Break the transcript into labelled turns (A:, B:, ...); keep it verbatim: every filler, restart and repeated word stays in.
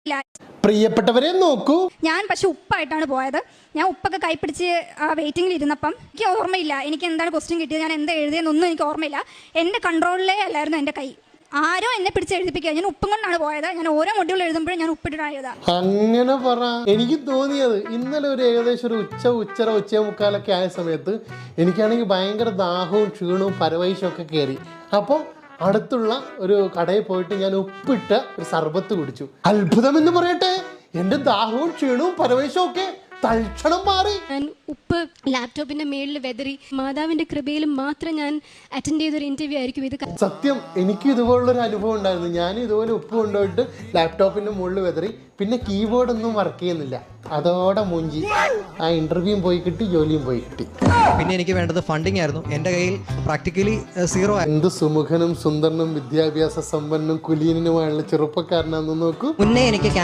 A: പ്രിയപ്പെട്ടവരെ നോക്കൂ,
B: ഞാൻ പക്ഷെ ഉപ്പായിട്ടാണ് പോയത്. ഞാൻ ഉപ്പൊക്കെ കൈപ്പിടിച്ച് വെയിറ്റിംഗിൽ ഇരുന്നപ്പം എനിക്ക് ഓർമ്മയില്ല എനിക്ക് എന്താണ് ക്വസ്റ്റ്യൻ കിട്ടിയത്, ഞാൻ എന്താ എഴുതിയെന്നൊന്നും എനിക്ക് ഓർമ്മയില്ല. എൻ്റെ കൺട്രോളിലേ അല്ലായിരുന്നു എൻ്റെ കൈ. ആരോ എന്നെ പിടിച്ച് എഴുതിപ്പിക്കുക. ഞാൻ ഉപ്പും കൊണ്ടാണ് പോയത്. ഞാൻ ഓരോ മൊഡ്യൂൾ എഴുതുമ്പോഴും ഞാൻ ഉപ്പിട്ടിട്ടാണ് എഴുതാ.
A: അങ്ങനെ പറ. എനിക്ക് തോന്നിയത് ഇന്നലെ ഒരു ഏകദേശം ഒരു ഉച്ച ഉച്ചര ഉച്ച മുക്കാലൊക്കെ ആയ സമയത്ത് എനിക്കാണെങ്കിൽ ഭയങ്കര ദാഹവും ക്ഷീണവും പരവൈശവും ഒക്കെ കയറി. അപ്പം അടുത്തുള്ള ഒരു കടയിൽ പോയിട്ട് ഞാൻ ഉപ്പിട്ട ഒരു സർബത്ത് കുടിച്ചു. അത്ഭുതം എന്ന് പറയട്ടെ, എൻ്റെ ദാഹവും ക്ഷീണവും പരവൈശവും ഒക്കെ തൽക്ഷണം മാറി.
C: ഞാൻ ഉപ്പ് ലാപ്ടോപ്പിന്റെ മേളിൽ വെതറി. മാതാവിന്റെ കൃപയിൽ മാത്രം ഞാൻ അറ്റൻഡ് ചെയ്തൊരു ഇന്റർവ്യൂ ആയിരിക്കും ഇത്.
A: സത്യം, എനിക്ക് ഇതുപോലുള്ളൊരു അനുഭവം ഉണ്ടായിരുന്നു. ഞാൻ ഇതുപോലെ ഉപ്പ് കൊണ്ടുപോയിട്ട് ലാപ്ടോപ്പിന്റെ മുകളിൽ വെതറി. പിന്നെ കീബോർഡ് ഒന്നും വർക്ക് ചെയ്യുന്നില്ല. അതോടെ മൂഞ്ചി. ആ ഇന്റർവ്യൂവും പോയി കിട്ടി, ജോലിയും പോയി കിട്ടി.
D: പിന്നെ എനിക്ക് വേണ്ടത് ഫണ്ടിങ് ആയിരുന്നു. എൻ്റെ കയ്യിൽ പ്രാക്ടിക്കലി സീറോ.
A: എന്ത് സുമുഖനും സുന്ദരനും വിദ്യാഭ്യാസ സമ്പന്നും കുലീനനുമായുള്ള ചെറുപ്പക്കാരനാണെന്ന് നോക്കൂ.
D: മുന്നേ എനിക്ക്